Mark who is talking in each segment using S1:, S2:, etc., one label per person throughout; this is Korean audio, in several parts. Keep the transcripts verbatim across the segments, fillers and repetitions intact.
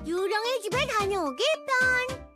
S1: 유령의 집에 다녀오기 편.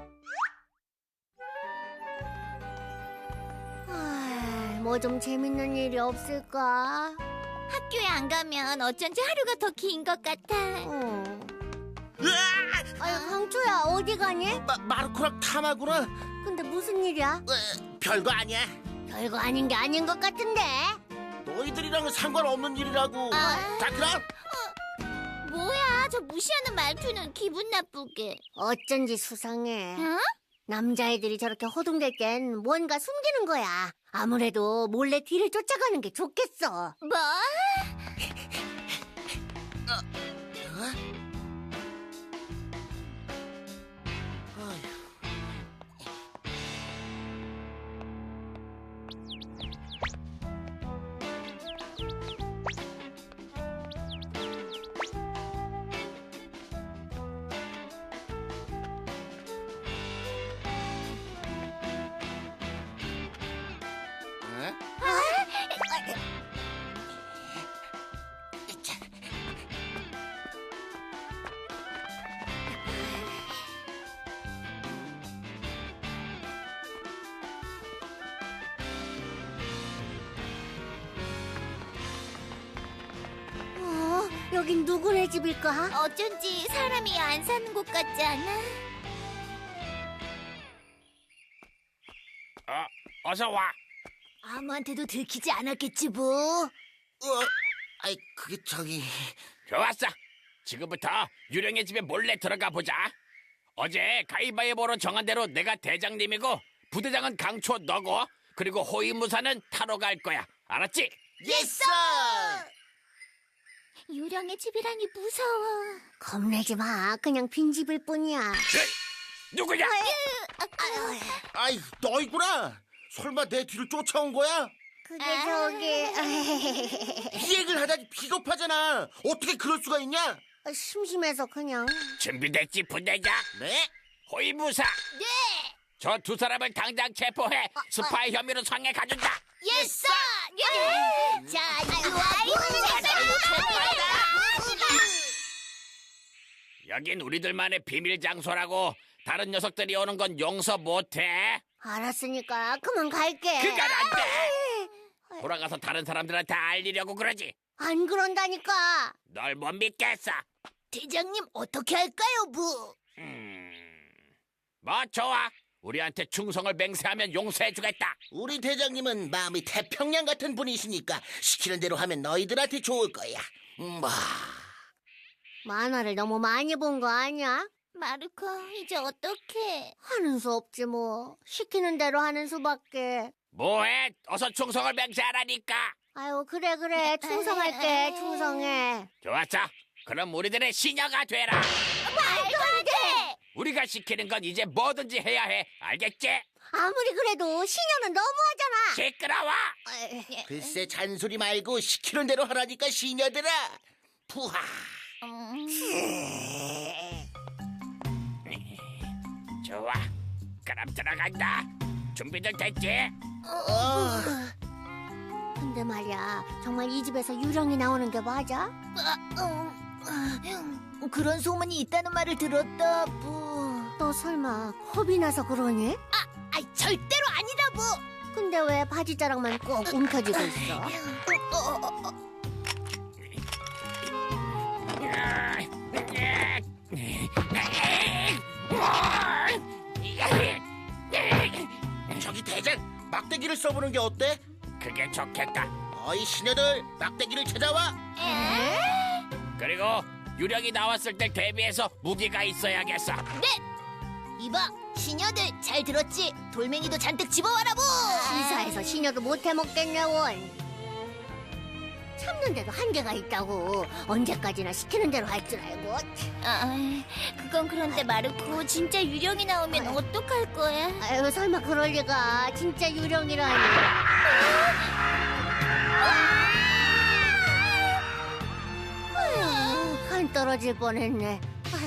S1: 뭐 좀 재밌는 일이 없을까?
S2: 학교에 안 가면 어쩐지 하루가 더 긴 것 같아.
S1: 어.
S3: 으아!
S1: 아유, 강초야, 어디 가니?
S3: 마, 마르코랑 탐하구나.
S1: 근데 무슨 일이야?
S3: 에, 별거 아니야.
S1: 별거 아닌 게 아닌 것 같은데.
S3: 너희들이랑은 상관없는 일이라고.
S2: 아.
S3: 자, 그럼.
S2: 뭐야, 저 무시하는 말투는 기분 나쁘게.
S1: 어쩐지 수상해.
S2: 어?
S1: 남자애들이 저렇게 허둥댈 땐 뭔가 숨기는 거야. 아무래도 몰래 뒤를 쫓아가는 게 좋겠어.
S2: 뭐?
S1: 어, 여긴 누구네 집일까?
S2: 어쩐지 사람이 안 사는 곳 같지 않아?
S4: 어, 어서 와.
S2: 아무한테도 들키지 않았겠지 뭐.
S3: 어, 아이, 그게 저기.
S4: 좋았어. 지금부터 유령의 집에 몰래 들어가 보자. 어제 가위바위보로 정한 대로 내가 대장님이고 부대장은 강초 너고 그리고 호위무사는 타로 갈 거야. 알았지?
S3: 예스!
S2: 유령의 집이라니 무서워.
S1: 겁내지 마. 그냥 빈집일 뿐이야.
S4: 에이, 누구야?
S3: 아이, 너희구나. 설마 내 뒤를 쫓아온 거야?
S1: 그게
S2: 아.
S1: 저기...
S3: 이 얘기를 하다니 비겁하잖아. 어떻게 그럴 수가 있냐?
S1: 심심해서 그냥...
S4: 준비됐지 부대장?
S3: 네?
S4: 호위무사.
S2: 네!
S4: 저 두 사람을 당장 체포해 스파이 혐의로 상해 가준다.
S2: 예스! 예! 자, 이와이
S4: 여긴 우리들만의 비밀 장소라고. 다른 녀석들이 오는 건 용서 못해.
S1: 알았으니까 그만 갈게.
S4: 그건 안 돼. 돌아가서 다른 사람들한테 알리려고 그러지.
S1: 안 그런다니까.
S4: 널 못 믿겠어.
S2: 대장님 어떻게 할까요, 부?
S4: 음, 뭐 좋아. 우리한테 충성을 맹세하면 용서해주겠다.
S3: 우리 대장님은 마음이 태평양 같은 분이시니까 시키는 대로 하면 너희들한테 좋을 거야. 음, 뭐.
S1: 만화를 너무 많이 본 거 아니야?
S2: 마르코, 이제 어떡해?
S1: 하는 수 없지 뭐. 시키는 대로 하는 수밖에.
S4: 뭐해? 어서 충성을 맹세하라니까.
S1: 아유, 그래 그래. 충성할게. 충성해.
S4: 좋았어. 그럼 우리들의 시녀가 되라.
S2: 말도 안 돼!
S4: 우리가 시키는 건 이제 뭐든지 해야 해. 알겠지?
S1: 아무리 그래도 시녀는 너무하잖아.
S4: 시끄러워.
S1: 에이,
S3: 글쎄 잔소리 말고 시키는 대로 하라니까 시녀들아. 푸하.
S2: 음,
S4: 좋아. 그럼 들어간다. 준비들 됐지?
S3: 어.
S1: 근데 말이야. 정말 이 집에서 유령이 나오는 게 맞아?
S2: 음, 그런 소문이 있다는 말을 들었다, 부.
S1: 너 설마 겁이 나서 그러니?
S2: 아이, 절대로 아니다, 부.
S1: 근데 왜 바지 자락만 꼭 움켜쥐고 있어?
S2: 어, 어, 어.
S3: 저기 대장 막대기를 써보는 게 어때?
S4: 그게 좋겠다.
S3: 어이 시녀들 막대기를 찾아와.
S2: 에?
S4: 그리고 유령이 나왔을 때 대비해서 무기가 있어야겠어.
S2: 이봐, 시녀들 잘 들었지? 돌멩이도 잔뜩 집어와라, 부.
S1: 시사해서 시녀도 못해 먹겠냐 원. 참는데도 한계가 있다고. 언제까지나 시키는 대로 할 줄 알고.
S2: 아, 그건 그런데 마르코, 진짜 유령이 나오면 어떡할 거야?
S1: 아유, 설마 그럴 리가. 진짜 유령이라니. 아유, 간 떨어질 뻔했네.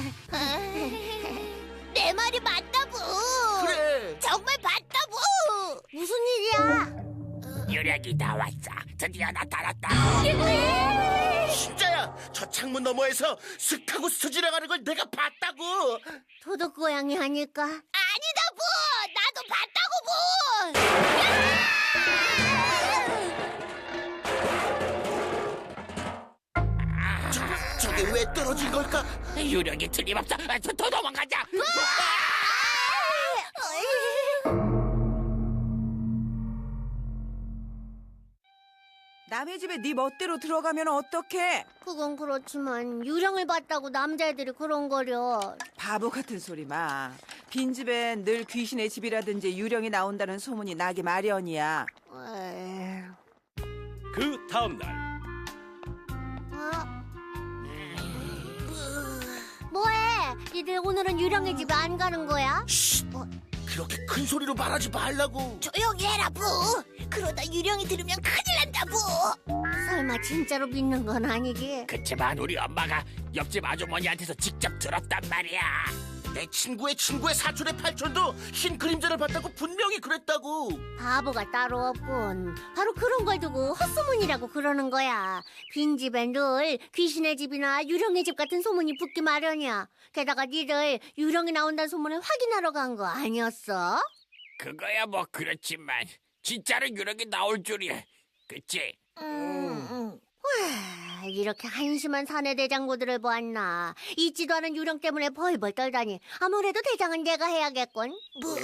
S2: 내 말이 맞다, 부.
S3: 그래.
S2: 정말 맞다, 부.
S1: 무슨 일이야?
S4: 유령이 나왔어. 드디어 나타났다.
S3: 진짜야. 저 창문 너머에서 슥하고 스쳐 지나가는 걸 내가 봤다고.
S1: 도둑 고양이 하니까.
S2: 아니다 부. 나도 봤다고 부.
S3: 저, 저게 왜 떨어진 걸까?
S4: 유령이 틀림없어. 아, 더, 더 도망가자.
S5: 남의 집에 네 멋대로 들어가면 어떡해?
S1: 그건 그렇지만 유령을 봤다고 남자애들이 그런 거려.
S5: 바보 같은 소리 마. 빈집엔 늘 귀신의 집이라든지 유령이 나온다는 소문이 나기 마련이야.
S1: 에이,
S6: 그 다음 날
S1: 어? 뭐해? 니들 오늘은 유령의 집에 안 가는 거야?
S3: 쉿. 그렇게 큰 소리로 말하지 말라고.
S2: 조용히 해라 부. 그러다 유령이 들으면 큰일 난다 부.
S1: 설마 진짜로 믿는 건 아니지?
S4: 그치만 우리 엄마가 옆집 아주머니한테서 직접 들었단 말이야.
S3: 내 친구의 친구의 사촌의 팔촌도 흰 그림자를 봤다고 분명히 그랬다고.
S1: 바보가 따로 없군. 바로 그런 걸 두고 헛소문이라고 그러는 거야. 빈집엔 늘 귀신의 집이나 유령의 집 같은 소문이 붙기 마련이야. 게다가 니들 유령이 나온다는 소문을 확인하러 간 거 아니었어?
S4: 그거야 뭐 그렇지만 진짜로 유령이 나올 줄이야. 그치?
S2: 음.
S1: 와, 이렇게 한심한 사내 대장고들을 보았나. 잊지도 않은 유령 때문에 벌벌 떨다니. 아무래도 대장은 내가 해야겠군.
S2: 부.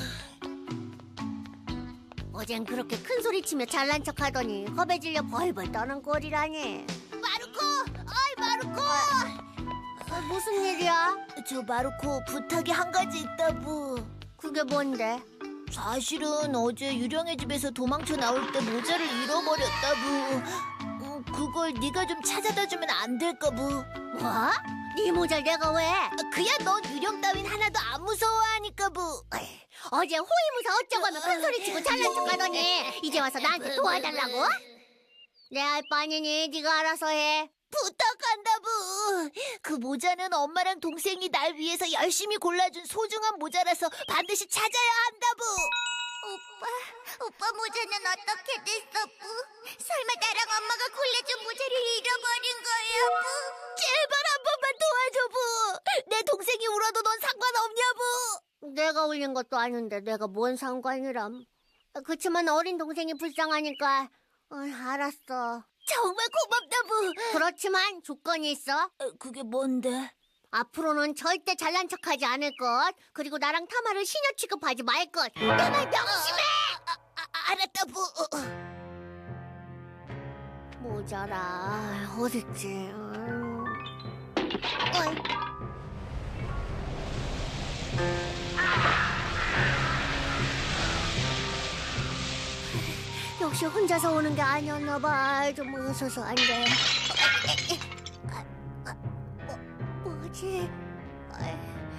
S1: 어젠 그렇게 큰 소리 치며 잘난 척하더니 겁에 질려 벌벌 떠는 꼴이라니.
S2: 마르코. 어이 마르코.
S1: 어, 무슨 일이야?
S2: 저 마르코 부탁이 한 가지 있다 부.
S1: 그게 뭔데?
S2: 사실은 어제 유령의 집에서 도망쳐 나올 때 모자를 잃어버렸다 부. 음, 그걸 네가 좀 찾아다 주면 안 될까 부.
S1: 뭐? 네 모자를 내가 왜?
S2: 그야 넌 유령 따윈 하나도 안 무서워하니까 부.
S1: 어제 호위무사 어쩌고 하면 큰 소리 치고 잘난 척하더니 이제 와서 나한테 도와달라고? 내 알 바 아니니 네가 알아서 해.
S2: 부탁한다 부. 그 모자는 엄마랑 동생이 날 위해서 열심히 골라준 소중한 모자라서 반드시 찾아야 한다 부. 오빠, 오빠 모자는 어떻게 됐어 부? 설마 나랑 엄마가 골라준 모자를 잃어버린 거야 부? 제발 한 번만 도와줘 부. 내 동생이 울어도 넌 상관없냐 부.
S1: 내가 올린 것도 아닌데 내가 뭔 상관이람. 그치만 어린 동생이 불쌍하니까 어, 알았어.
S2: 정말 고맙다 부.
S1: 그렇지만 조건이 있어.
S2: 어, 그게 뭔데?
S1: 앞으로는 절대 잘난 척하지 않을 것. 그리고 나랑 타마를 시녀 취급하지 말 것. 내 말 명심해!
S2: 아, 아, 아, 알았다 부. 어, 어.
S1: 모자라 어딨지? 음. 어이. 역시 혼자서 오는 게 아니었나 봐. 좀 웃어서 안 돼. 아, 아, 뭐, 뭐지? 어이.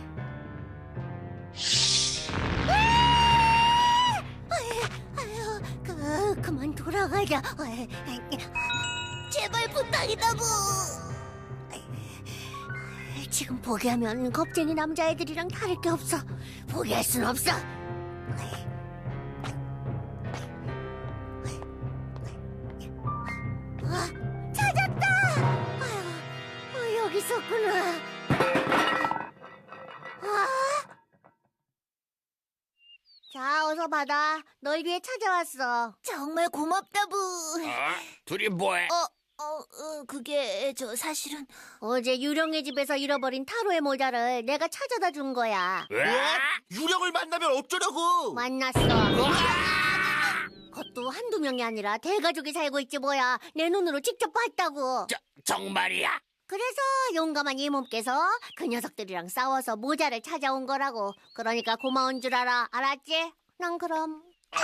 S1: 어이, 아유, 그, 그만 돌아가자. 어이,
S2: 제발 부탁이다 부.
S1: 지금 포기하면 겁쟁이 남자애들이랑 다를 게 없어. 포기할 순 없어. 아, 찾았다. 아유, 어, 여기 있었구나. 아. 자, 어서 받아. 널 위해 찾아왔어.
S2: 정말 고맙다 부.
S4: 어? 둘이 뭐해?
S2: 어, 어, 어, 그게 저 사실은
S1: 어제 유령의 집에서 잃어버린 타로의 모자를 내가 찾아다 준 거야.
S4: 으아!
S3: 유령을 만나면 어쩌려고?
S1: 만났어. 그것도 한두 명이 아니라 대가족이 살고 있지 뭐야. 내 눈으로 직접 봤다고.
S4: 저, 정말이야?
S1: 그래서 용감한 이 몸께서 그 녀석들이랑 싸워서 모자를 찾아온 거라고. 그러니까 고마운 줄 알아. 알았지? 난 그럼.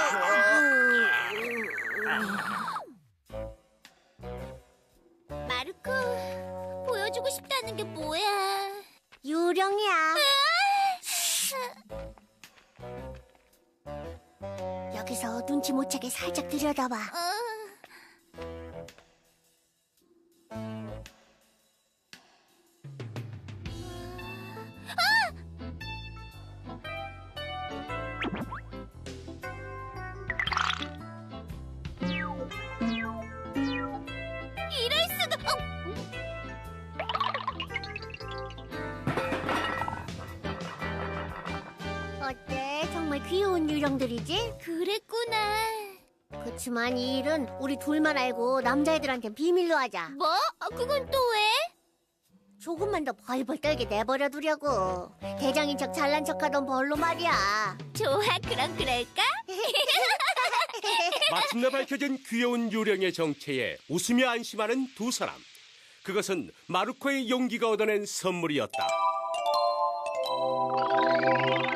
S2: 마르코 보여주고 싶다는 게 뭐야?
S1: 유령이야. 여기서 눈치 못 채게 살짝 들여다봐.
S2: 어. 이럴 수가. 어.
S1: 귀여운 유령들이지?
S2: 그랬구나.
S1: 그치만 이 일은 우리 둘만 알고 남자애들한텐 비밀로 하자.
S2: 뭐? 아, 그건 또 왜?
S1: 조금만 더 벌벌 떨게 내버려 두려고. 대장인 척 잘난 척하던 벌로 말이야.
S2: 좋아, 그럼 그럴까?
S6: 마침내 밝혀진 귀여운 유령의 정체에 웃으며 안심하는 두 사람. 그것은 마루코의 용기가 얻어낸 선물이었다.